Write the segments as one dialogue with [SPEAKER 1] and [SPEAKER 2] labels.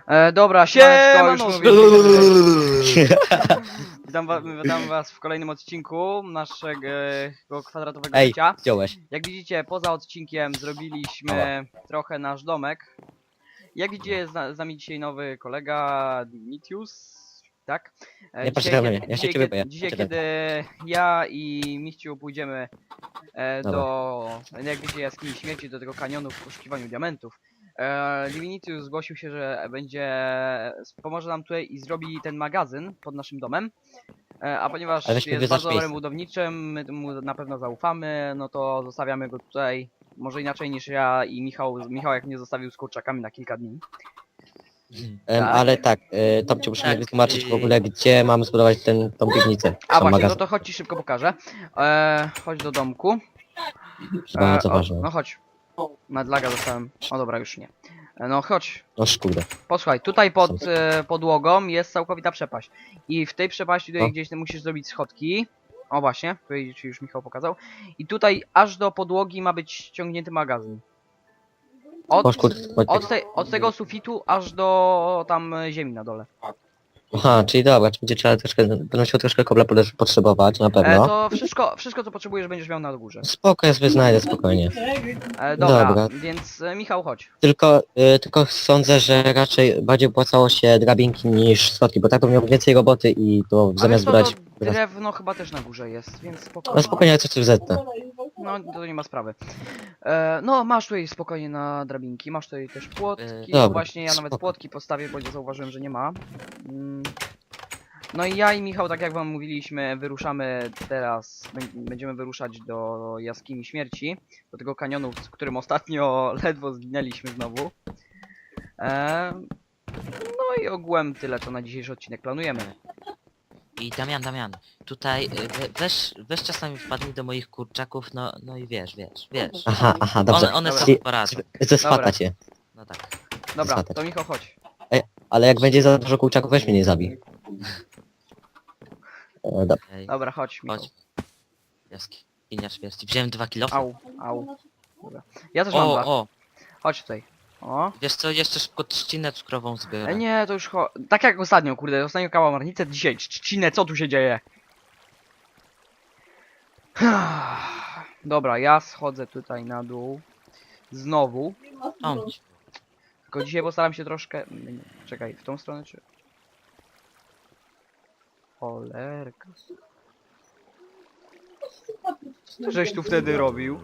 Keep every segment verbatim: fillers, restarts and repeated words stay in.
[SPEAKER 1] E, dobra,
[SPEAKER 2] Siemano,
[SPEAKER 1] już
[SPEAKER 2] już
[SPEAKER 1] mówię.
[SPEAKER 2] mówię.
[SPEAKER 1] Witam, wa witam was w kolejnym odcinku naszego kwadratowego
[SPEAKER 2] Ej,
[SPEAKER 1] życia.
[SPEAKER 2] zdjąłeś.
[SPEAKER 1] Jak widzicie, poza odcinkiem zrobiliśmy trochę nasz domek. Jak widzicie, z, na- z nami dzisiaj nowy kolega, Dignitius. Tak? E,
[SPEAKER 2] Nie patrzcie
[SPEAKER 1] dzisiaj,
[SPEAKER 2] na
[SPEAKER 1] kie-
[SPEAKER 2] mnie, ja się
[SPEAKER 1] dzisiaj,
[SPEAKER 2] ciebie
[SPEAKER 1] kie-
[SPEAKER 2] boję.
[SPEAKER 1] dzisiaj
[SPEAKER 2] Patrzcie
[SPEAKER 1] kiedy ja i Miściu pójdziemy e,
[SPEAKER 2] Dobra.
[SPEAKER 1] do, jak wiecie, jaskini śmierci, do tego kanionu w poszukiwaniu diamentów. E, Divinitius zgłosił się, że będzie, pomoże nam tutaj i zrobi ten magazyn pod naszym domem. E, a ponieważ
[SPEAKER 2] Ale weźmy
[SPEAKER 1] jest
[SPEAKER 2] wyznacz
[SPEAKER 1] bardzo dobrym
[SPEAKER 2] miejsce.
[SPEAKER 1] budowniczym, my mu na pewno zaufamy, no to zostawiamy go tutaj. Może inaczej niż ja i Michał, Michał jak mnie zostawił z kurczakami na kilka dni.
[SPEAKER 2] Em,
[SPEAKER 1] Tak.
[SPEAKER 2] ale tak, y, Topciu, musimy
[SPEAKER 3] Tak,
[SPEAKER 2] wytłumaczyć w
[SPEAKER 3] y-
[SPEAKER 2] ogóle, gdzie mamy zbudować ten, tą piwnicę.
[SPEAKER 1] A
[SPEAKER 2] Sam
[SPEAKER 1] właśnie,
[SPEAKER 2] magazyn.
[SPEAKER 1] no to chodź ci szybko pokażę. E, chodź do domku.
[SPEAKER 2] To bardzo
[SPEAKER 1] o,
[SPEAKER 2] ważne.
[SPEAKER 1] no chodź. Madlaga dostałem. O dobra, już nie. E, no chodź.
[SPEAKER 2] No kurde.
[SPEAKER 1] Posłuchaj, tutaj pod e, podłogą jest całkowita przepaść. I w tej przepaści tutaj
[SPEAKER 2] O.
[SPEAKER 1] gdzieś ty musisz zrobić schodki. O właśnie, tutaj ci już Michał pokazał. I tutaj aż do podłogi ma być ściągnięty magazyn. Od,
[SPEAKER 2] Chodź, kurde, chodź.
[SPEAKER 1] od, te, od tego sufitu aż do tam e, ziemi na dole.
[SPEAKER 2] Aha, czyli dobra, czy będzie trzeba troszkę, będę musiał troszkę kobla potrze- potrzebować, na
[SPEAKER 1] E,
[SPEAKER 2] pewno.
[SPEAKER 1] to wszystko, wszystko co potrzebujesz będziesz miał na górze.
[SPEAKER 2] Spoko, ja sobie znajdę, spokojnie.
[SPEAKER 1] E, dobra,
[SPEAKER 2] Dobra.
[SPEAKER 1] więc e, Michał chodź.
[SPEAKER 2] Tylko, y, tylko sądzę, że raczej bardziej opłacało się drabinki niż schodki, bo tak to miał więcej roboty i to
[SPEAKER 1] A
[SPEAKER 2] zamiast
[SPEAKER 1] wiesz co,
[SPEAKER 2] brać...
[SPEAKER 1] to drewno chyba też na górze jest, więc spokojnie.
[SPEAKER 2] No spokojnie, ja coś tu zetnę.
[SPEAKER 1] No to nie ma sprawy. E, no masz tutaj spokojnie na drabinki, masz tutaj też płotki,
[SPEAKER 3] E,
[SPEAKER 1] no
[SPEAKER 2] dobra,
[SPEAKER 1] właśnie ja nawet
[SPEAKER 2] spoko.
[SPEAKER 1] płotki postawię, bo zauważyłem, że nie ma. Mm. No i ja i Michał, tak jak wam mówiliśmy, wyruszamy teraz, bę- będziemy wyruszać do jaskini śmierci, do tego kanionu, w którym ostatnio ledwo zginęliśmy znowu. E, no i ogółem tyle, co na dzisiejszy odcinek planujemy.
[SPEAKER 3] I Damian, Damian, tutaj y, we, weź, weź czasami wpadnij do moich kurczaków, no, no i wiesz, wiesz, wiesz.
[SPEAKER 2] Aha, aha, dobrze.
[SPEAKER 3] One, one
[SPEAKER 1] Dobra.
[SPEAKER 3] sobie poradzą.
[SPEAKER 2] Ze swata
[SPEAKER 1] Dobra.
[SPEAKER 2] cię.
[SPEAKER 3] No tak.
[SPEAKER 1] Dobra,
[SPEAKER 2] Zgadać.
[SPEAKER 1] to Michał chodź.
[SPEAKER 2] Ale jak będzie za dużo kurczaków, weź mnie nie zabij. E, dobra.
[SPEAKER 3] Ej,
[SPEAKER 1] Dobra, chodź Michał.
[SPEAKER 3] chodź. Jaskinia śmierci. Wziąłem dwa kilofy.
[SPEAKER 1] Au, au. Dobra. Ja też mam
[SPEAKER 3] O,
[SPEAKER 1] dwa.
[SPEAKER 3] o,
[SPEAKER 1] Chodź tutaj. O.
[SPEAKER 3] wiesz co, jeszcze szybko trzcinę cukrową
[SPEAKER 1] E,
[SPEAKER 3] zbiorę.
[SPEAKER 1] nie, to już cho... Tak jak ostatnio, kurde, ostatnio kałamarnicę, dzisiaj trzcinę, co tu się dzieje? Dobra, ja schodzę tutaj na dół. Znowu.
[SPEAKER 3] O,
[SPEAKER 1] Tylko dzisiaj postaram się troszkę... nie, Czekaj, w tą stronę czy... Cholerka. Co ty żeś tu wtedy robił?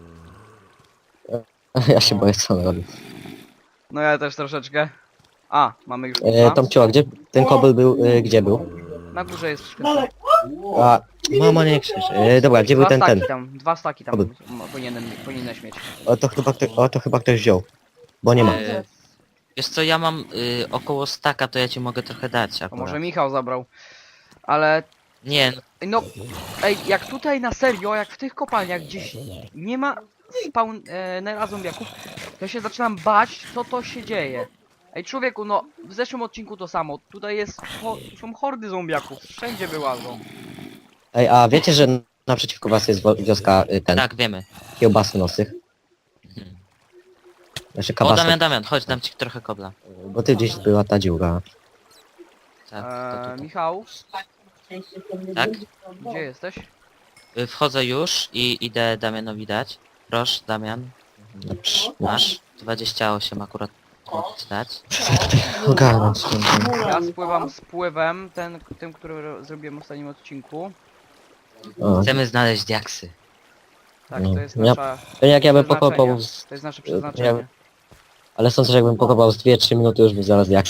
[SPEAKER 2] Ja się boję, co on robi.
[SPEAKER 1] No ja też troszeczkę. A, mamy już
[SPEAKER 2] E,
[SPEAKER 1] dwa.
[SPEAKER 2] Tomciu, a gdzie ten kobyl był, e, gdzie był?
[SPEAKER 1] Na górze jest skrzynka.
[SPEAKER 2] A, mama nie krzycz. E, dobra, gdzie był
[SPEAKER 1] Dwa
[SPEAKER 2] ten,
[SPEAKER 1] staki
[SPEAKER 2] ten?
[SPEAKER 1] tam, dwa staki tam
[SPEAKER 2] Oby.
[SPEAKER 1] m- powinienem, powinieneś mieć.
[SPEAKER 2] O, to chyba, ktoś, o, to chyba ktoś wziął. Bo nie ma.
[SPEAKER 3] E, wiesz co, ja mam y, około staka, to ja ci mogę trochę dać
[SPEAKER 1] To
[SPEAKER 3] akurat.
[SPEAKER 1] może Michał zabrał. Ale
[SPEAKER 3] Nie, no,
[SPEAKER 1] no, ej, jak tutaj na serio, jak w tych kopalniach gdzieś nie ma spawn e, nera zombiaków, to ja się zaczynam bać, co to się dzieje. Ej człowieku, no w zeszłym odcinku to samo. Tutaj jest, ho, są hordy zombiaków, wszędzie wyłażą.
[SPEAKER 2] Ej, a wiecie, że naprzeciwko was jest wo- wioska, y, ten,
[SPEAKER 3] tak, wiemy.
[SPEAKER 2] kiełbasy nosych?
[SPEAKER 3] Mhm.
[SPEAKER 2] Znaczy
[SPEAKER 3] O,
[SPEAKER 2] kabasa.
[SPEAKER 3] Damian, Damian, chodź, dam ci trochę kobla.
[SPEAKER 2] Bo ty gdzieś była ta dziura.
[SPEAKER 3] Tak, to
[SPEAKER 1] E,
[SPEAKER 3] tutaj.
[SPEAKER 1] Michał,
[SPEAKER 3] Tak?
[SPEAKER 1] gdzie jesteś?
[SPEAKER 3] Y, Wchodzę już i idę Damianowi dać. Proszę, Damian.
[SPEAKER 2] Dobrze.
[SPEAKER 3] Masz? dwadzieścia osiem akurat mogę ci dać.
[SPEAKER 2] Ogarnąć.
[SPEAKER 1] Ja spływam z pływem, ten, tym, który ro- zrobiłem w ostatnim odcinku.
[SPEAKER 2] O.
[SPEAKER 3] Chcemy znaleźć diaksy.
[SPEAKER 1] Tak,
[SPEAKER 2] No.
[SPEAKER 1] to jest
[SPEAKER 2] Ja-
[SPEAKER 1] nasza...
[SPEAKER 2] To jak ja bym
[SPEAKER 1] przeznaczenie.
[SPEAKER 2] pokopał, z...
[SPEAKER 1] To jest nasze przeznaczenie.
[SPEAKER 2] ale sądzę, że jakbym pokopał z dwie trzy minuty, już by zaraz jak.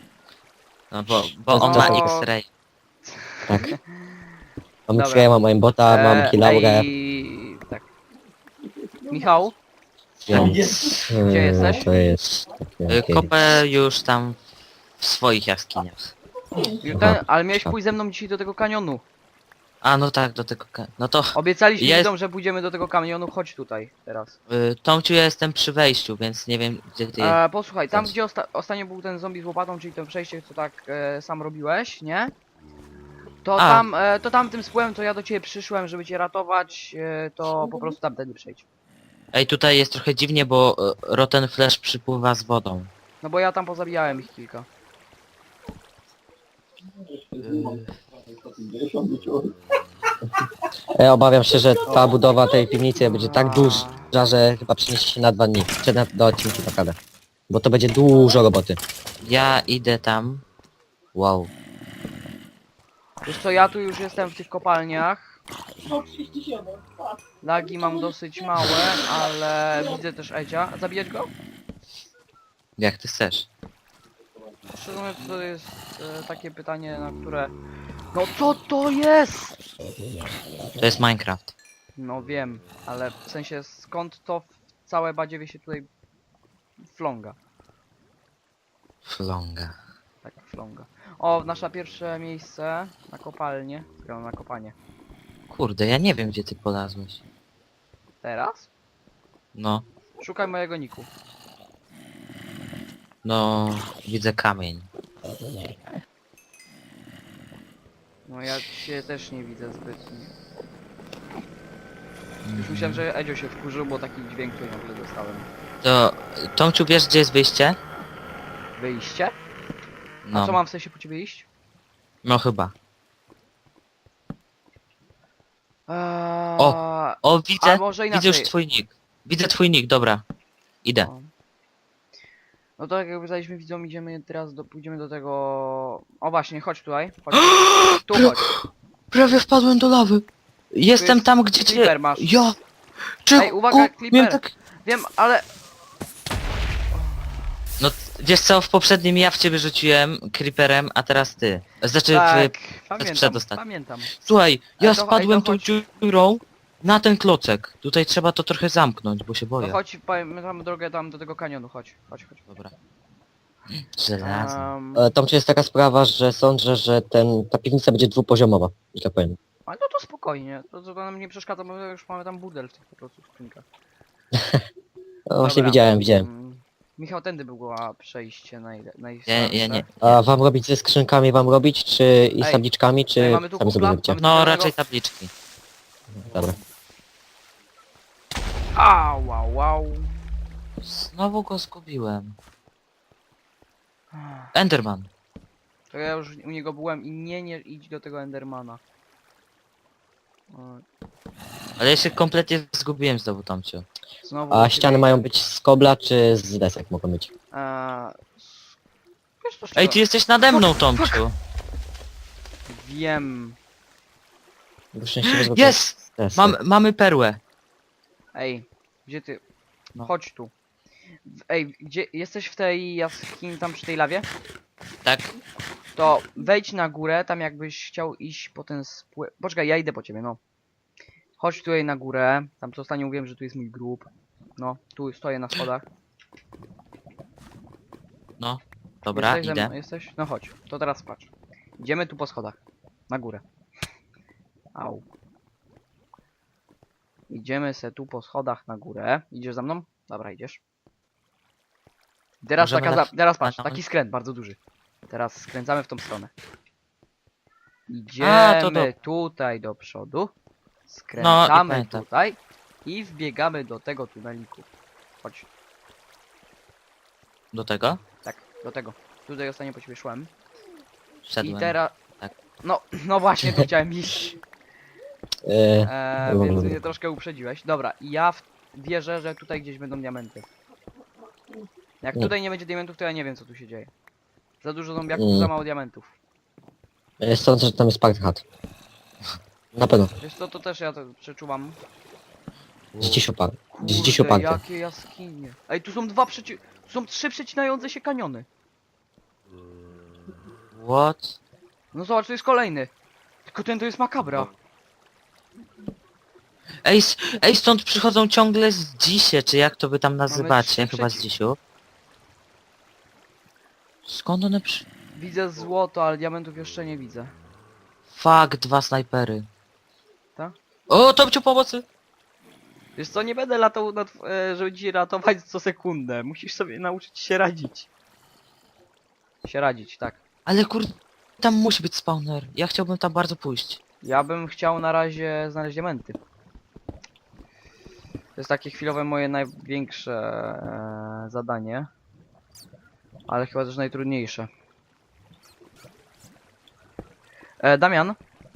[SPEAKER 3] No bo, bo
[SPEAKER 2] To
[SPEAKER 3] on ma
[SPEAKER 1] to-
[SPEAKER 3] X-ray.
[SPEAKER 2] Tak. Mam
[SPEAKER 1] Dobra.
[SPEAKER 2] X-Raya, mam aimbota, mam
[SPEAKER 1] E,
[SPEAKER 2] kilaurę,
[SPEAKER 1] ej, tak. Michał,
[SPEAKER 2] więc...
[SPEAKER 1] Gdzie
[SPEAKER 2] e,
[SPEAKER 1] jesteś?
[SPEAKER 2] To jest... takie,
[SPEAKER 3] Y,
[SPEAKER 2] okej.
[SPEAKER 3] Kopę już tam w swoich jaskiniach.
[SPEAKER 1] ten, ale miałeś pójść ze mną dzisiaj do tego kanionu.
[SPEAKER 3] A no tak, do tego... ka- No to...
[SPEAKER 1] Obiecaliśmy
[SPEAKER 3] Jest-
[SPEAKER 1] widzom, że pójdziemy do tego kanionu, chodź tutaj teraz.
[SPEAKER 3] Y, Tomciu, ja jestem przy wejściu, więc nie wiem gdzie ty...
[SPEAKER 1] E, posłuchaj, tam
[SPEAKER 3] Chodź.
[SPEAKER 1] gdzie osta ostatnio był ten zombie z łopatą, czyli to przejście, co tak e, sam robiłeś, nie? To
[SPEAKER 3] A.
[SPEAKER 1] tam, e, to tam tym spłyłem, to ja do ciebie przyszłem, żeby cię ratować, e, to po prostu tamtędy przejdź.
[SPEAKER 3] Ej, tutaj jest trochę dziwnie, bo y, Rotten Flash przypływa z wodą.
[SPEAKER 1] No bo ja tam pozabijałem ich kilka.
[SPEAKER 2] Ja obawiam się, że ta budowa tej piwnicy będzie tak duża, że chyba przyniesie się na dwa dni. Czy na, do odcinki naprawdę. Bo to będzie dużo roboty.
[SPEAKER 3] Ja idę tam. Wow.
[SPEAKER 1] Wiesz co, ja tu już jestem w tych kopalniach. Lagi mam dosyć małe, ale widzę też Edzia. Zabijać go?
[SPEAKER 3] Jak ty chcesz.
[SPEAKER 1] Szczerze mówiąc, to jest e, takie pytanie, na które... No co to jest?
[SPEAKER 3] To jest Minecraft.
[SPEAKER 1] No wiem, ale w sensie skąd to w całe badziewie się tutaj flonga?
[SPEAKER 3] Flonga.
[SPEAKER 1] Tak, flonga. O, nasze pierwsze miejsce na kopalnię. Czekaj, na kopanie.
[SPEAKER 3] Kurde, ja nie wiem gdzie ty polazłeś.
[SPEAKER 1] Teraz?
[SPEAKER 3] No.
[SPEAKER 1] Szukaj mojego niku.
[SPEAKER 3] No, widzę kamień.
[SPEAKER 1] No ja cię też nie widzę zbytnio. Już myślałem, że Edzio się wkurzył, bo taki dźwięk tu nagle dostałem.
[SPEAKER 3] To, Tomciu, wiesz gdzie jest wyjście?
[SPEAKER 1] Wyjście? A
[SPEAKER 3] No,
[SPEAKER 1] co mam w sensie po ciebie iść?
[SPEAKER 3] no chyba.
[SPEAKER 1] Eee,
[SPEAKER 3] O,
[SPEAKER 1] A
[SPEAKER 3] widzę,
[SPEAKER 1] może
[SPEAKER 3] widzę
[SPEAKER 1] inaczej.
[SPEAKER 3] już twój nick. Widzę twój nick, dobra. Idę.
[SPEAKER 1] No. No to jak obiecaliśmy widzom, idziemy teraz do, pójdziemy do tego... O właśnie, chodź tutaj. Chodź. Tu chodź.
[SPEAKER 3] Prawie wpadłem do lawy. Jestem
[SPEAKER 1] jest
[SPEAKER 3] tam gdzie cię...
[SPEAKER 1] Creeper masz.
[SPEAKER 3] Ja! Czy...
[SPEAKER 1] Ej, uwaga,
[SPEAKER 3] o,
[SPEAKER 1] Creeper.
[SPEAKER 3] miałem tak...
[SPEAKER 1] Wiem, ale...
[SPEAKER 3] No, wiesz co, w poprzednim ja w ciebie rzuciłem creeperem, a teraz ty. Znaczy,
[SPEAKER 1] Tak,
[SPEAKER 3] w...
[SPEAKER 1] pamiętam,
[SPEAKER 3] przedostatni.
[SPEAKER 1] pamiętam.
[SPEAKER 3] Słuchaj,
[SPEAKER 1] Ale
[SPEAKER 3] ja
[SPEAKER 1] to- ej,
[SPEAKER 3] spadłem
[SPEAKER 1] to
[SPEAKER 3] tą
[SPEAKER 1] chodź.
[SPEAKER 3] dziurą na ten klocek. Tutaj trzeba to trochę zamknąć, bo się
[SPEAKER 1] No
[SPEAKER 3] boję.
[SPEAKER 1] chodź, pamiętam drogę tam do tego kanionu, chodź, chodź, chodź.
[SPEAKER 3] Dobra. Żelazny.
[SPEAKER 1] Um,
[SPEAKER 2] E, Tam czy jest taka sprawa, że sądzę, że ten, ta piwnica będzie dwupoziomowa, że tak powiem.
[SPEAKER 1] ale no to spokojnie, to, to nam nie przeszkadza, bo już mamy tam burdel w tych po prostu skrzynkach.
[SPEAKER 2] No, właśnie
[SPEAKER 1] Dobra.
[SPEAKER 2] widziałem, widziałem.
[SPEAKER 1] Mm, Michał, tędy było przejście naj,
[SPEAKER 3] Ja,
[SPEAKER 1] najsłabsze.
[SPEAKER 3] ja nie.
[SPEAKER 2] A wam robić ze skrzynkami wam robić, czy i z
[SPEAKER 1] Ej,
[SPEAKER 2] tabliczkami, czy
[SPEAKER 1] ej, mamy tu
[SPEAKER 2] sami sobie
[SPEAKER 1] kupla?
[SPEAKER 2] robicie?
[SPEAKER 1] Mamy-
[SPEAKER 3] No,
[SPEAKER 1] Tego-
[SPEAKER 3] raczej tabliczki.
[SPEAKER 2] Dobra.
[SPEAKER 1] Au, wow, wow.
[SPEAKER 3] Znowu go zgubiłem. Enderman.
[SPEAKER 1] To ja już u niego byłem i nie, nie idź do tego Endermana. O,
[SPEAKER 3] Ale ja się kompletnie zgubiłem znowu, Tomciu.
[SPEAKER 1] znowu
[SPEAKER 2] A
[SPEAKER 1] u
[SPEAKER 2] ściany
[SPEAKER 1] ciebie-
[SPEAKER 2] mają być z kobla, czy z desek mogą być?
[SPEAKER 1] Eee, s- wiesz co, z
[SPEAKER 3] Ej,
[SPEAKER 1] czego?
[SPEAKER 3] ty jesteś nade mną, Tomciu.
[SPEAKER 1] Wiem.
[SPEAKER 2] Bo szczęśliwie, że
[SPEAKER 3] Jest!
[SPEAKER 2] to jest
[SPEAKER 3] Mam,
[SPEAKER 2] desek.
[SPEAKER 3] mamy perłę.
[SPEAKER 1] Ej, gdzie ty?
[SPEAKER 3] No.
[SPEAKER 1] Chodź tu. W- Ej, gdzie jesteś w tej jaskini tam przy tej lawie?
[SPEAKER 3] Tak?
[SPEAKER 1] To wejdź na górę, tam jakbyś chciał iść po ten spły... Poczekaj, ja idę po ciebie, no. Chodź tutaj na górę, tam co ostatnio mówiłem, że tu jest mój grób. No, tu stoję na schodach.
[SPEAKER 3] No. Dobra,
[SPEAKER 1] jesteś ze mną?
[SPEAKER 3] idę.
[SPEAKER 1] Jesteś? No chodź, to teraz patrz. Idziemy tu po schodach. Na górę. Au. Idziemy se tu po schodach na górę. Idziesz za mną? Dobra, idziesz. Teraz
[SPEAKER 3] Możemy
[SPEAKER 1] taka
[SPEAKER 3] na-
[SPEAKER 1] za... Teraz patrz,
[SPEAKER 3] na-
[SPEAKER 1] taki skręt bardzo duży. Teraz skręcamy w tą stronę.
[SPEAKER 3] A,
[SPEAKER 1] Idziemy
[SPEAKER 3] to do-
[SPEAKER 1] tutaj do przodu.
[SPEAKER 3] No,
[SPEAKER 1] Skręcamy
[SPEAKER 3] pamiętam.
[SPEAKER 1] tutaj. I wbiegamy do tego tuneliku. Chodź,
[SPEAKER 3] Do tego?
[SPEAKER 1] tak, do tego. Tutaj ostatnio po ciebie szłem.
[SPEAKER 3] Wszedłem.
[SPEAKER 1] I teraz...
[SPEAKER 3] tak.
[SPEAKER 1] No, no właśnie, tu chciałem iść.
[SPEAKER 2] E,
[SPEAKER 1] Eee,
[SPEAKER 2] Dobra,
[SPEAKER 1] więc
[SPEAKER 2] dobra.
[SPEAKER 1] mnie troszkę uprzedziłeś. Dobra, i ja w... wierzę, że tutaj gdzieś będą diamenty. Jak
[SPEAKER 2] Nie.
[SPEAKER 1] tutaj nie będzie diamentów, to ja nie wiem co tu się dzieje. Za dużo zombiaków,
[SPEAKER 2] Mm.
[SPEAKER 1] za mało diamentów.
[SPEAKER 2] e, sądzę, że tam jest park hat. Na pewno.
[SPEAKER 1] Wiesz co, to też ja to przeczuwam.
[SPEAKER 2] Dziś oparty. Dziś
[SPEAKER 1] Kurde,
[SPEAKER 2] oparty.
[SPEAKER 1] jakie jaskinie. Ej, tu są dwa przeci... Tu są trzy przecinające się kaniony.
[SPEAKER 3] What?
[SPEAKER 1] No zobacz, to jest kolejny. Tylko ten to jest makabra.
[SPEAKER 3] Ej, s- ej, stąd przychodzą ciągle z dzisie, czy jak to wy tam nazywacie?
[SPEAKER 1] trzy
[SPEAKER 3] Chyba z
[SPEAKER 1] przeci-
[SPEAKER 3] dzisiu. Skąd one przy...
[SPEAKER 1] Widzę złoto, ale diamentów jeszcze nie widzę.
[SPEAKER 3] Fuck, dwa snajpery.
[SPEAKER 1] Tak?
[SPEAKER 3] O, Tomciu, pomocy!
[SPEAKER 1] Wiesz co, nie będę latał, na tw- e, żeby ci ratować co sekundę. Musisz sobie nauczyć się radzić. Się radzić, tak.
[SPEAKER 3] Ale kur... Tam musi być spawner. Ja chciałbym tam bardzo pójść.
[SPEAKER 1] Ja bym chciał na razie znaleźć diamenty. To jest takie chwilowe moje największe e, zadanie. Ale chyba też najtrudniejsze. E, Damian?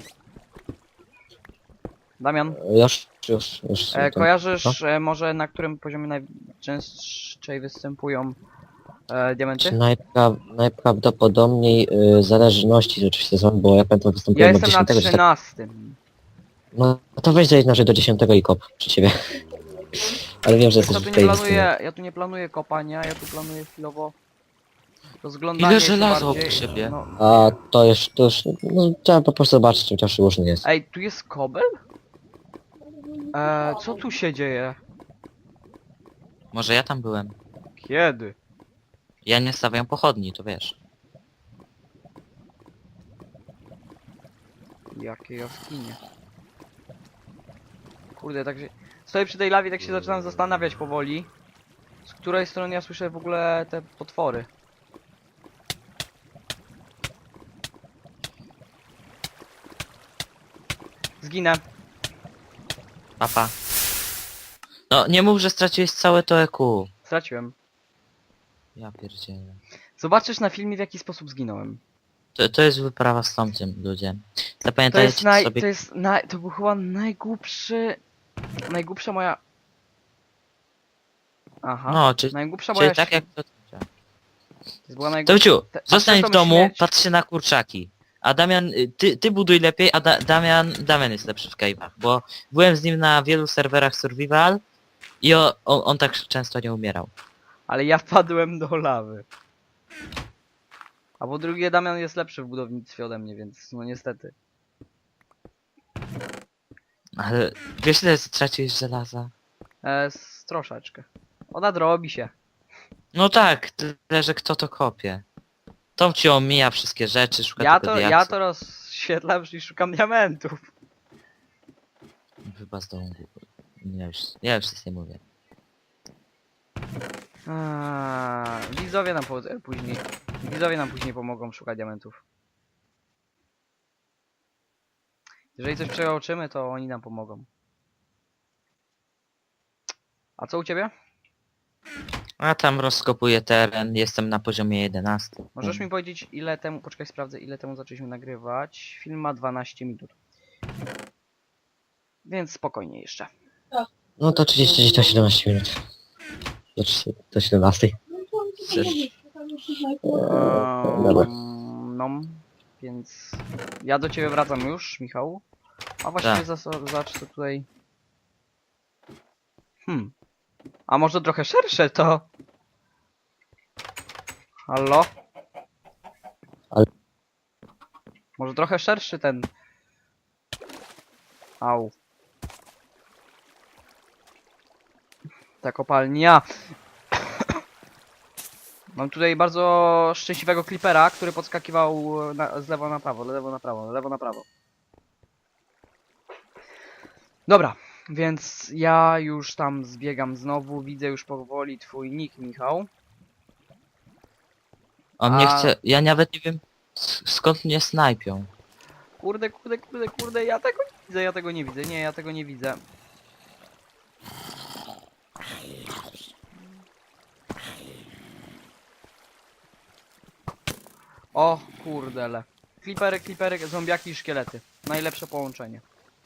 [SPEAKER 1] Damian,
[SPEAKER 2] Już, już, już.
[SPEAKER 1] e,
[SPEAKER 2] to-
[SPEAKER 1] kojarzysz e, może na którym poziomie najczęściej występują e, diamenty?
[SPEAKER 2] Najpra najprawdopodobniej y, zależności oczywiście są, bo ja pamiętam występuję
[SPEAKER 1] Ja
[SPEAKER 2] od
[SPEAKER 1] jestem na
[SPEAKER 2] dziesiątego. czy tak-
[SPEAKER 1] trzynastym.
[SPEAKER 2] No to weź zajedź może do dziesiątego i kop przy ciebie. Ale wiem, że
[SPEAKER 1] Wiesz co,
[SPEAKER 2] jesteś
[SPEAKER 1] tu
[SPEAKER 2] w
[SPEAKER 1] nie
[SPEAKER 2] tej
[SPEAKER 1] planuję, ja tu nie planuję kopania, ja tu planuję chwilowo rozglądanie
[SPEAKER 3] Ile
[SPEAKER 1] się
[SPEAKER 3] żelaza
[SPEAKER 1] bardziej,
[SPEAKER 3] obok siebie?
[SPEAKER 1] No.
[SPEAKER 2] A to już, to już, no trzeba po prostu zobaczyć, czym to przyłóżny jest.
[SPEAKER 1] Ej, tu jest kobel? E, co tu się dzieje?
[SPEAKER 3] Może ja tam byłem.
[SPEAKER 1] Kiedy?
[SPEAKER 3] Ja nie stawiam pochodni, to wiesz.
[SPEAKER 1] Jakie jaskinie. Kurde, tak się... Stoję przy tej lawie, tak się zaczynam zastanawiać powoli. Z której strony ja słyszę w ogóle te potwory. Zginę.
[SPEAKER 3] Papa. No nie mów, że straciłeś całe to E Q.
[SPEAKER 1] Straciłem.
[SPEAKER 3] Ja pierdzielę.
[SPEAKER 1] Zobaczysz na filmie, w jaki sposób zginąłem.
[SPEAKER 3] To, to jest wyprawa z Tomciem, ludzie.
[SPEAKER 1] To
[SPEAKER 3] Zapamiętajcie
[SPEAKER 1] jest naj...
[SPEAKER 3] sobie...
[SPEAKER 1] To jest naj... To był chyba najgłupszy... Najgłupsza moja... Aha.
[SPEAKER 3] No, czy,
[SPEAKER 1] Najgłupsza
[SPEAKER 3] czyli
[SPEAKER 1] moja...
[SPEAKER 3] tak jak to...
[SPEAKER 1] To była najgłupsza...
[SPEAKER 3] Tomciu,
[SPEAKER 1] Te- a
[SPEAKER 3] zostań
[SPEAKER 1] przez
[SPEAKER 3] w
[SPEAKER 1] tą
[SPEAKER 3] domu,
[SPEAKER 1] śmierć-
[SPEAKER 3] patrz się na kurczaki. A Damian, y, ty, ty buduj lepiej, a da Damian, Damian jest lepszy w cave'ach, bo byłem z nim na wielu serwerach survival i o, on, on tak często nie umierał.
[SPEAKER 1] Ale ja padłem do lawy. A po drugie Damian jest lepszy w budownictwie ode mnie, więc no niestety.
[SPEAKER 3] Ale wiesz ile straciłeś żelaza?
[SPEAKER 1] E, z troszeczkę. Ona drobi się.
[SPEAKER 3] No tak, tyle, że kto to kopie. Tom ci omija wszystkie rzeczy, szuka
[SPEAKER 1] Ja
[SPEAKER 3] tylko
[SPEAKER 1] to,
[SPEAKER 3] diaksów.
[SPEAKER 1] ja to rozświetlam i szukam diamentów.
[SPEAKER 3] Chyba z domu. Ja już, ja już nic nie mówię.
[SPEAKER 1] A, widzowie nam po, e, później. Widzowie nam później pomogą szukać diamentów. Jeżeli coś przeoczymy, to oni nam pomogą. A co u ciebie?
[SPEAKER 3] A tam rozkopuję teren, jestem na poziomie jedenastym.
[SPEAKER 1] Możesz mi powiedzieć ile temu, poczekaj sprawdzę ile temu zaczęliśmy nagrywać. Film ma dwanaście minut. Więc spokojnie jeszcze.
[SPEAKER 2] No to trzydzieści do siedemnastu minut. Do, trzy- do siedemnastej. Dobra.
[SPEAKER 1] Um, no, więc ja do ciebie wracam już, Michał. A właściwie
[SPEAKER 3] Tak.
[SPEAKER 1] za, zacz co tutaj. Hmm. A może trochę szersze to? Halo?
[SPEAKER 2] Ale-
[SPEAKER 1] Może trochę szerszy ten. Au. Ta kopalnia. Mam tutaj bardzo szczęśliwego klipera, który podskakiwał na, z lewo na prawo, lewo na prawo, lewo na prawo. Dobra, więc ja już tam zbiegam znowu, widzę już powoli twój nick, Michał.
[SPEAKER 3] On mnie
[SPEAKER 1] A-
[SPEAKER 3] chce... Ja nawet nie wiem s- skąd mnie snajpią.
[SPEAKER 1] Kurde, kurde, kurde, kurde, ja tego nie widzę, ja tego nie widzę, nie, ja tego nie widzę. O kurdele. Klipery, klipery, zombiaki i szkielety. Najlepsze połączenie.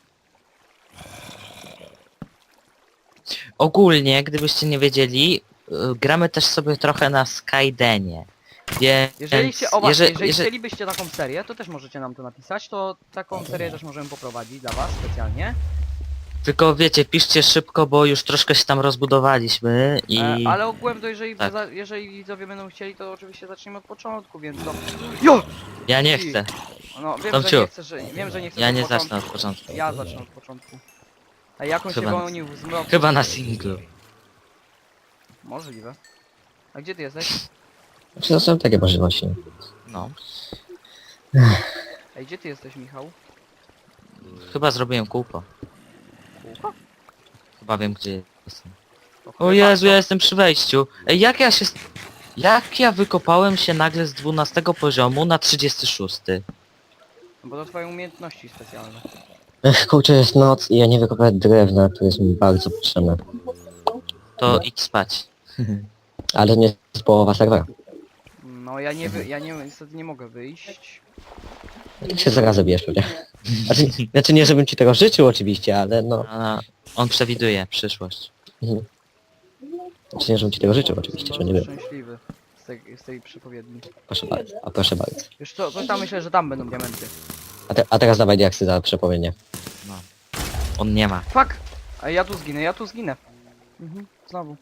[SPEAKER 3] Ogólnie, gdybyście nie wiedzieli, y, gramy też sobie trochę na Skydenie. Więc
[SPEAKER 1] Jeżeli, chcie, o, właśnie,
[SPEAKER 3] jeżeli,
[SPEAKER 1] jeżeli
[SPEAKER 3] jeżeli,
[SPEAKER 1] chcielibyście taką serię, to też możecie nam to napisać, to taką serię też możemy poprowadzić dla was specjalnie.
[SPEAKER 3] tylko wiecie, piszcie szybko, bo już troszkę się tam rozbudowaliśmy i...
[SPEAKER 1] E, ale ogółem to jeżeli,
[SPEAKER 3] Tak.
[SPEAKER 1] za, jeżeli widzowie będą chcieli, to oczywiście zaczniemy od początku, więc to... Jo!
[SPEAKER 3] Ja nie chcę.
[SPEAKER 1] No wiem,
[SPEAKER 3] Tomciu.
[SPEAKER 1] że nie chcesz, że, wiem, że nie chcesz
[SPEAKER 3] Ja
[SPEAKER 1] od
[SPEAKER 3] nie
[SPEAKER 1] początku.
[SPEAKER 3] zacznę od początku.
[SPEAKER 1] Ja zacznę od początku. A jak on
[SPEAKER 3] Chyba
[SPEAKER 1] się
[SPEAKER 3] na-
[SPEAKER 1] gonił w zmroku?
[SPEAKER 3] Chyba na singlu.
[SPEAKER 1] Możliwe. A gdzie ty jesteś?
[SPEAKER 2] Znaczy, są takie możliwości.
[SPEAKER 3] No.
[SPEAKER 1] Ej, gdzie ty jesteś, Michał?
[SPEAKER 3] Chyba zrobiłem kółko.
[SPEAKER 1] Kółko?
[SPEAKER 3] Chyba wiem gdzie jestem.
[SPEAKER 1] To
[SPEAKER 3] O
[SPEAKER 1] chyba-
[SPEAKER 3] Jezu, ja jestem przy wejściu. Ej, jak ja się... Jak ja wykopałem się nagle z dwunastego poziomu na trzydziesty szósty?
[SPEAKER 1] No bo to twoje umiejętności specjalne.
[SPEAKER 2] Ech, kurczę, jest noc i ja nie wykopałem drewna, które jest mi bardzo potrzebne.
[SPEAKER 3] To idź spać.
[SPEAKER 2] Ale nie jest połowa serwera.
[SPEAKER 1] No ja nie wy, ja nie, niestety nie mogę wyjść.
[SPEAKER 2] Ty się zaraz zabijesz pewnie. Znaczy, znaczy nie, żebym ci tego życzył oczywiście, ale no...
[SPEAKER 3] A, on przewiduje przyszłość.
[SPEAKER 2] Mhm. Znaczy nie, żebym ci tego życzył oczywiście, że nie
[SPEAKER 1] Bardzo
[SPEAKER 2] wiem.
[SPEAKER 1] szczęśliwy z tej, z tej przepowiedni.
[SPEAKER 2] Proszę bardzo, a proszę bardzo.
[SPEAKER 1] Wiesz co, coś tam myślę, że tam będą diamenty.
[SPEAKER 2] A, te, a teraz dawaj diaksy za przepowiednie.
[SPEAKER 3] No. On nie ma.
[SPEAKER 1] Fuck! A ja tu zginę, ja tu zginę. Mhm, znowu.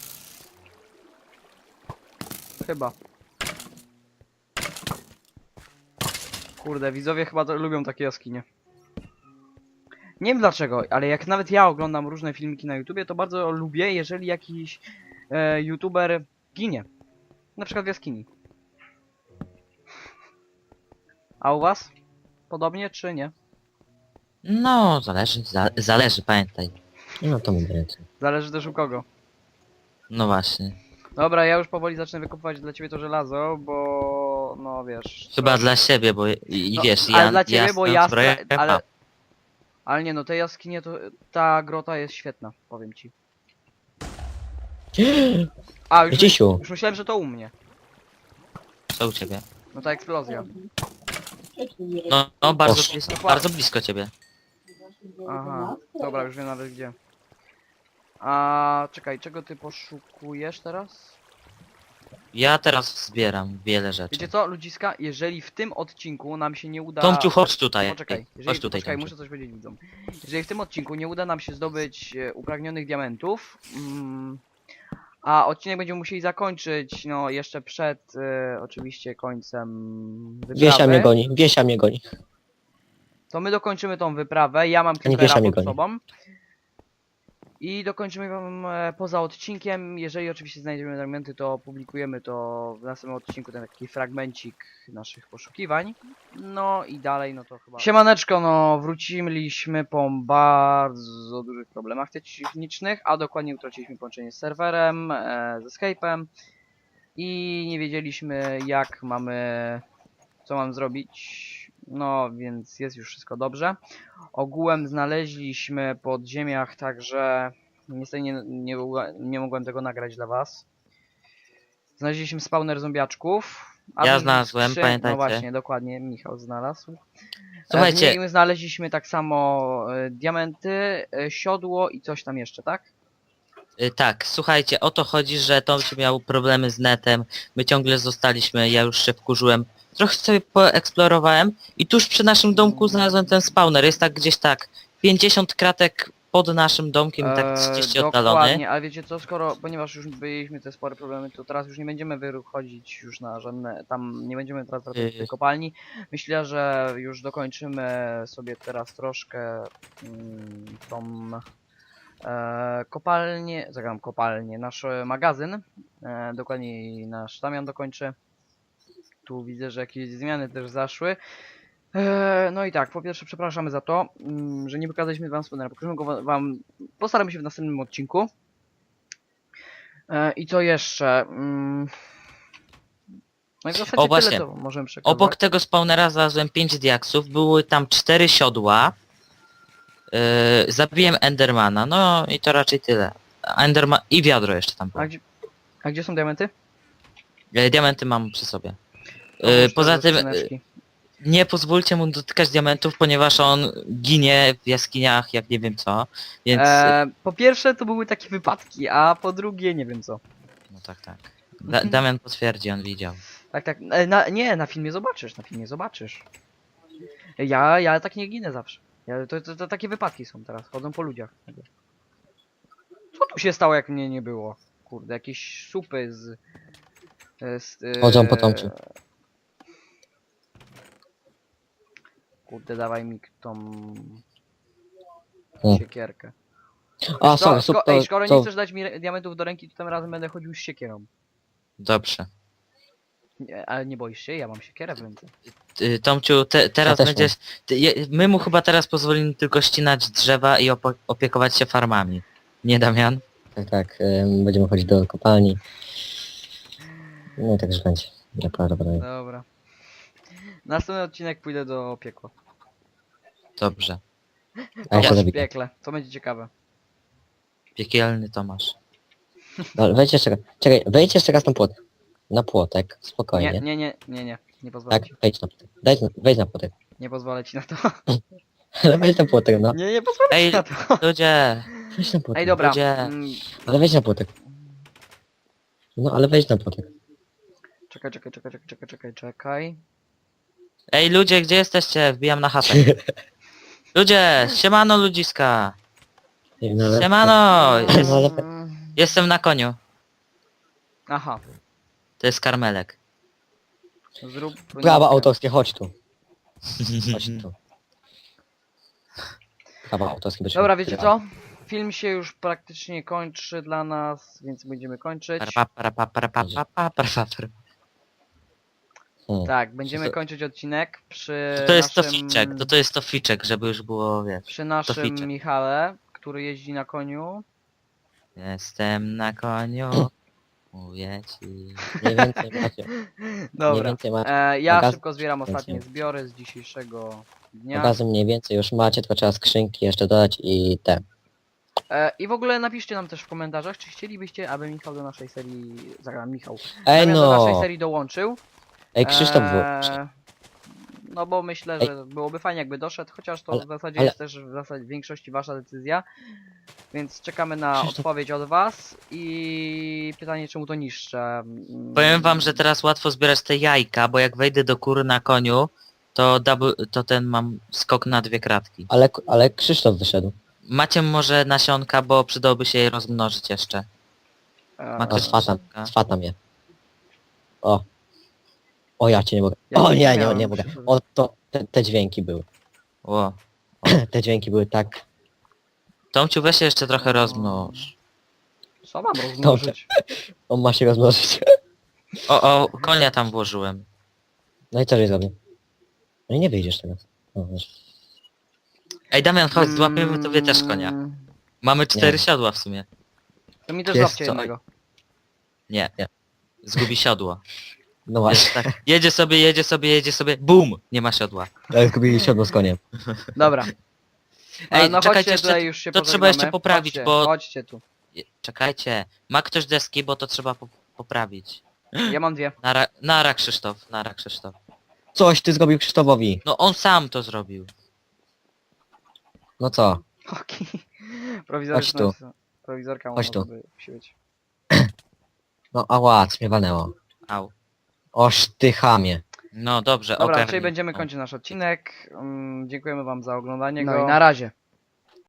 [SPEAKER 1] Chyba. Kurde, widzowie chyba to lubią takie jaskinie. Nie wiem dlaczego, ale jak nawet ja oglądam różne filmiki na YouTubie, to bardzo lubię, jeżeli jakiś e, YouTuber ginie. Na przykład w jaskini. A u was? Podobnie czy nie?
[SPEAKER 3] No, zależy, za, zależy, pamiętaj.
[SPEAKER 2] No to mi daje.
[SPEAKER 1] Zależy też u kogo.
[SPEAKER 3] No właśnie.
[SPEAKER 1] Dobra, ja już powoli zacznę wykupywać dla ciebie to żelazo, bo no wiesz.
[SPEAKER 3] Chyba
[SPEAKER 1] co-
[SPEAKER 3] dla siebie, bo i, i
[SPEAKER 1] no,
[SPEAKER 3] wiesz,
[SPEAKER 1] ale
[SPEAKER 3] ja...
[SPEAKER 1] dla ciebie, bo ja
[SPEAKER 3] zbroję
[SPEAKER 1] stra- ale,
[SPEAKER 3] mam.
[SPEAKER 1] ale nie no, te jaskinie to ta grota jest świetna, powiem ci. A już,
[SPEAKER 2] Gdziesiu.
[SPEAKER 1] już myślałem, że to u mnie.
[SPEAKER 3] Co u ciebie?
[SPEAKER 1] No ta eksplozja.
[SPEAKER 3] No, no bardzo
[SPEAKER 2] Boże.
[SPEAKER 3] blisko, bardzo blisko ciebie.
[SPEAKER 1] Aha, dobra, już wiem nawet gdzie. A czekaj, czego ty poszukujesz teraz?
[SPEAKER 3] Ja teraz zbieram wiele rzeczy.
[SPEAKER 1] Wiecie co, ludziska, jeżeli w tym odcinku nam się nie uda...
[SPEAKER 3] Tomciu, chodź tutaj.
[SPEAKER 1] Poczekaj, jeżeli,
[SPEAKER 3] Chodź tutaj,
[SPEAKER 1] poczekaj,
[SPEAKER 3] Tomciu.
[SPEAKER 1] muszę coś powiedzieć widzom. Jeżeli w tym odcinku nie uda nam się zdobyć e, upragnionych diamentów, mm, a odcinek będziemy musieli zakończyć, no jeszcze przed e, oczywiście końcem
[SPEAKER 2] Wiesia mnie
[SPEAKER 1] wyprawy,
[SPEAKER 2] goni, Wiesia mnie goni.
[SPEAKER 1] to my dokończymy tą wyprawę, ja mam
[SPEAKER 2] nie
[SPEAKER 1] creepera
[SPEAKER 2] Wiesia mnie
[SPEAKER 1] pod
[SPEAKER 2] goni.
[SPEAKER 1] sobą. I dokończymy ją e, poza odcinkiem, jeżeli oczywiście znajdziemy diamenty, to publikujemy to w następnym odcinku, ten taki fragmencik naszych poszukiwań. No i dalej, no to chyba... Siemaneczko, no wróciliśmy po bardzo dużych problemach technicznych, a dokładnie utraciliśmy połączenie z serwerem, e, ze Skype'em i nie wiedzieliśmy jak mamy, co mam zrobić, no więc jest już wszystko dobrze. Ogółem znaleźliśmy pod ziemiach, także niestety nie, nie, mogła- nie mogłem tego nagrać dla was. Znaleźliśmy spawner zombiaczków. a
[SPEAKER 3] Ja
[SPEAKER 1] z-
[SPEAKER 3] znalazłem,
[SPEAKER 1] skrzyn-
[SPEAKER 3] pamiętajcie.
[SPEAKER 1] No właśnie, dokładnie, Michał znalazł.
[SPEAKER 3] Słuchajcie.
[SPEAKER 1] E, my znaleźliśmy tak samo e, diamenty, e, siodło i coś tam jeszcze, tak?
[SPEAKER 3] Y, Tak, słuchajcie, o to chodzi, że Tomciu miał problemy z netem, my ciągle zostaliśmy, ja już się wkurzyłem. Trochę sobie poeksplorowałem i tuż przy naszym domku znalazłem ten spawner, jest tak gdzieś tak pięćdziesiąt kratek pod naszym domkiem, tak trzydzieści
[SPEAKER 1] Eee,
[SPEAKER 3] oddalony.
[SPEAKER 1] Dokładnie, ale wiecie co, skoro, ponieważ już byliśmy te spore problemy, to teraz już nie będziemy wychodzić już na żadne, tam nie będziemy teraz wracać do tej
[SPEAKER 3] Yy.
[SPEAKER 1] kopalni. Myślę, że już dokończymy sobie teraz troszkę mm, tą e, kopalnię, zagram kopalnię, nasz e, magazyn, e, dokładniej nasz Damian dokończy. Tu widzę, że jakieś zmiany też zaszły. Eee, no i tak, po pierwsze przepraszamy za to, mm, że nie pokazaliśmy wam spawnera. Pokażemy go wa- wam, postaramy się w następnym odcinku. Eee, I co jeszcze? Mm, No i w zasadzie
[SPEAKER 3] O, właśnie.
[SPEAKER 1] tyle to możemy przekazać.
[SPEAKER 3] Obok tego spawnera znalazłem pięć diaksów, były tam cztery siodła. Yy, zabiłem Endermana, no i to raczej tyle. Enderman i wiadro jeszcze tam było.
[SPEAKER 1] A gdzie, a gdzie są diamenty?
[SPEAKER 3] Yy, diamenty mam przy sobie. Yy,
[SPEAKER 1] Oprócz
[SPEAKER 3] poza
[SPEAKER 1] tego
[SPEAKER 3] tym yy,
[SPEAKER 1] skrzyneczki.
[SPEAKER 3] nie pozwólcie mu dotykać diamentów, ponieważ on ginie w jaskiniach jak nie wiem co, więc...
[SPEAKER 1] Eee, po pierwsze to były takie wypadki, a po drugie nie wiem co.
[SPEAKER 3] No tak, tak. Da Damian potwierdzi, on widział.
[SPEAKER 1] Tak, tak, e, na, nie, na filmie zobaczysz, na filmie zobaczysz. Ja, ja tak nie ginę zawsze. Ja, to, to, to takie wypadki są teraz, chodzą po ludziach. Co tu się stało, jak mnie nie było? Kurde, jakieś supy z... e, z e,
[SPEAKER 2] Chodzą po Tomciu.
[SPEAKER 1] Kurde, dawaj mi tą...
[SPEAKER 2] Hmm.
[SPEAKER 1] siekierkę.
[SPEAKER 2] A,
[SPEAKER 1] Co,
[SPEAKER 2] sorry,
[SPEAKER 1] sko
[SPEAKER 2] super,
[SPEAKER 1] ej, skoro nie
[SPEAKER 2] to...
[SPEAKER 1] chcesz dać mi re- diamentów do ręki, to tym razem będę chodził z siekierą.
[SPEAKER 3] Dobrze.
[SPEAKER 1] Nie, ale nie boisz się? Ja mam siekierę w ręce.
[SPEAKER 3] Ty, Tomciu, te, teraz
[SPEAKER 2] też
[SPEAKER 3] będziesz... Ty, je, my mu chyba teraz pozwolimy tylko ścinać drzewa i opo opiekować się farmami. Nie, Damian?
[SPEAKER 2] Tak, tak, ym, będziemy chodzić do kopalni. No i także będzie. Naprawdę.
[SPEAKER 1] Dobra. Następny odcinek pójdę do piekła.
[SPEAKER 3] Dobrze.
[SPEAKER 2] A ja się
[SPEAKER 1] Tomasz w
[SPEAKER 2] zabiję.
[SPEAKER 1] piekle, to będzie ciekawe.
[SPEAKER 3] Piekielny Tomasz.
[SPEAKER 2] No, wejdź jeszcze raz. Czekaj, wejdź jeszcze raz na płot. Na płotek, spokojnie.
[SPEAKER 1] Nie, nie, nie, nie, nie, nie pozwolę
[SPEAKER 2] Tak,
[SPEAKER 1] ci.
[SPEAKER 2] wejdź na płotek. Daj, wejdź na płotek.
[SPEAKER 1] Nie pozwolę ci na to.
[SPEAKER 2] Ale weź na płotek, no.
[SPEAKER 1] Nie, nie pozwolę
[SPEAKER 3] Ej,
[SPEAKER 1] ci na to.
[SPEAKER 3] ludzie,
[SPEAKER 2] Weź na płotek.
[SPEAKER 1] Ej, dobra.
[SPEAKER 3] Ludzie.
[SPEAKER 1] Mm,
[SPEAKER 2] Ale weź na płotek. No, ale weź na płotek.
[SPEAKER 1] Czekaj, czekaj, czekaj, czekaj, czekaj, czekaj, czekaj.
[SPEAKER 3] ej ludzie, gdzie jesteście? Wbijam na chatę. Ludzie, siemano ludziska.
[SPEAKER 2] Nie, no, ale...
[SPEAKER 3] Siemano,
[SPEAKER 2] No, ale...
[SPEAKER 1] Mm,
[SPEAKER 3] jestem na koniu.
[SPEAKER 1] Aha.
[SPEAKER 3] To jest karmelek.
[SPEAKER 1] Zrób...
[SPEAKER 2] Prawa
[SPEAKER 1] nitkę.
[SPEAKER 2] autorskie, chodź tu. Chodź tu. Prawa autorskie. będzie-
[SPEAKER 1] Dobra, wiecie co? Film się już praktycznie kończy dla nas, więc będziemy kończyć.
[SPEAKER 3] Para, para, para, para, para, para, para, para.
[SPEAKER 2] Hmm.
[SPEAKER 1] Tak, będziemy
[SPEAKER 2] To-
[SPEAKER 1] kończyć odcinek przy
[SPEAKER 3] To, to jest to
[SPEAKER 1] naszym...
[SPEAKER 3] ficzek, to to jest to ficzek, żeby już było, wiesz.
[SPEAKER 1] Przy naszym
[SPEAKER 3] ficzek.
[SPEAKER 1] Michale, który jeździ na koniu.
[SPEAKER 3] Jestem na koniu. Mówię ci.
[SPEAKER 2] Mniej więcej macie. Mniej
[SPEAKER 1] Dobra.
[SPEAKER 2] więcej macie.
[SPEAKER 1] E, ja
[SPEAKER 2] Magaz-
[SPEAKER 1] szybko zbieram ostatnie
[SPEAKER 2] Więcej.
[SPEAKER 1] zbiory z dzisiejszego dnia.
[SPEAKER 2] Obrazy mniej więcej już macie, tylko trzeba skrzynki jeszcze dodać i te.
[SPEAKER 1] E, I w ogóle napiszcie nam też w komentarzach, czy chcielibyście, aby Michał do naszej serii... Zagram Michał.
[SPEAKER 2] Ej
[SPEAKER 1] Damian do naszej
[SPEAKER 2] no!
[SPEAKER 1] serii dołączył.
[SPEAKER 2] Ej, Krzysztof był.
[SPEAKER 1] E, No bo myślę,
[SPEAKER 2] Ej.
[SPEAKER 1] że byłoby fajnie jakby doszedł, chociaż to
[SPEAKER 2] Ale-
[SPEAKER 1] w zasadzie
[SPEAKER 2] ale-
[SPEAKER 1] jest też w zasadzie w większości wasza decyzja. Więc czekamy na
[SPEAKER 2] Krzysztof-
[SPEAKER 1] odpowiedź od was i pytanie czemu to niższe. Mm,
[SPEAKER 3] Powiem wam, że teraz łatwo zbierać te jajka, bo jak wejdę do kury na koniu, to double, to ten mam skok na dwie kratki.
[SPEAKER 2] Ale, ale Krzysztof wyszedł.
[SPEAKER 3] Macie może nasionka, bo przydałoby się je rozmnożyć jeszcze.
[SPEAKER 1] e,
[SPEAKER 3] Ma
[SPEAKER 2] No
[SPEAKER 3] ktoś
[SPEAKER 2] swatam,
[SPEAKER 3] nasionka?
[SPEAKER 2] swatam je. O. O, ja cię nie mogę.
[SPEAKER 1] Ja
[SPEAKER 2] O
[SPEAKER 1] nie
[SPEAKER 2] nie, nie,
[SPEAKER 1] miałem
[SPEAKER 2] nie mogę.
[SPEAKER 1] Krzysztof.
[SPEAKER 2] O, to, te, te dźwięki były.
[SPEAKER 3] Ło.
[SPEAKER 2] Te dźwięki były tak...
[SPEAKER 3] Tomciu, weź się jeszcze trochę rozmnóż.
[SPEAKER 1] Co mam rozmnożyć?
[SPEAKER 2] On ma się rozmnożyć.
[SPEAKER 3] O, o, konia tam włożyłem.
[SPEAKER 2] No i co żeś zrobił? No i nie wyjdziesz teraz. O, wiesz.
[SPEAKER 3] Ej Damian, chodź, złapiemy tobie też konia.
[SPEAKER 1] Mm,
[SPEAKER 3] Mamy cztery
[SPEAKER 2] Nie.
[SPEAKER 3] siodła w sumie.
[SPEAKER 1] To mi też
[SPEAKER 2] Wiesz
[SPEAKER 1] złapcie
[SPEAKER 2] co?
[SPEAKER 1] jednego.
[SPEAKER 3] Nie,
[SPEAKER 2] Nie.
[SPEAKER 3] Zgubi siodło.
[SPEAKER 2] No
[SPEAKER 3] Jest
[SPEAKER 2] właśnie.
[SPEAKER 3] tak. Jedzie sobie, jedzie sobie, jedzie sobie, bum! Nie ma siodła.
[SPEAKER 2] Ale zgubili siodło z koniem.
[SPEAKER 1] Dobra.
[SPEAKER 3] Ej,
[SPEAKER 1] Ale no
[SPEAKER 3] czekajcie,
[SPEAKER 1] chodźcie
[SPEAKER 3] jeszcze-
[SPEAKER 1] tutaj już się
[SPEAKER 3] to trzeba
[SPEAKER 1] pożegnamy.
[SPEAKER 3] jeszcze poprawić,
[SPEAKER 1] chodźcie,
[SPEAKER 3] bo-
[SPEAKER 1] Chodźcie tu.
[SPEAKER 3] Je- Czekajcie. Ma ktoś deski, bo to trzeba po poprawić.
[SPEAKER 1] Ja mam dwie.
[SPEAKER 3] Nara, nara Krzysztof, nara Krzysztof.
[SPEAKER 2] Coś ty zrobił Krzysztofowi.
[SPEAKER 3] No on sam to zrobił.
[SPEAKER 2] No co?
[SPEAKER 1] Okej.
[SPEAKER 2] Chodź
[SPEAKER 1] Prowizoryczna.
[SPEAKER 2] tu.
[SPEAKER 1] Prowizorka
[SPEAKER 2] Chodź
[SPEAKER 1] może
[SPEAKER 2] tu.
[SPEAKER 1] by musi być.
[SPEAKER 2] No ała, co mnie walnęło.
[SPEAKER 3] Au.
[SPEAKER 2] Oż ty chamie.
[SPEAKER 3] No dobrze,
[SPEAKER 1] Dobra,
[SPEAKER 3] ogarnij.
[SPEAKER 1] czyli będziemy
[SPEAKER 3] No.
[SPEAKER 1] kończyć nasz odcinek. Mm, dziękujemy wam za oglądanie
[SPEAKER 2] No
[SPEAKER 1] go.
[SPEAKER 2] i
[SPEAKER 1] na razie.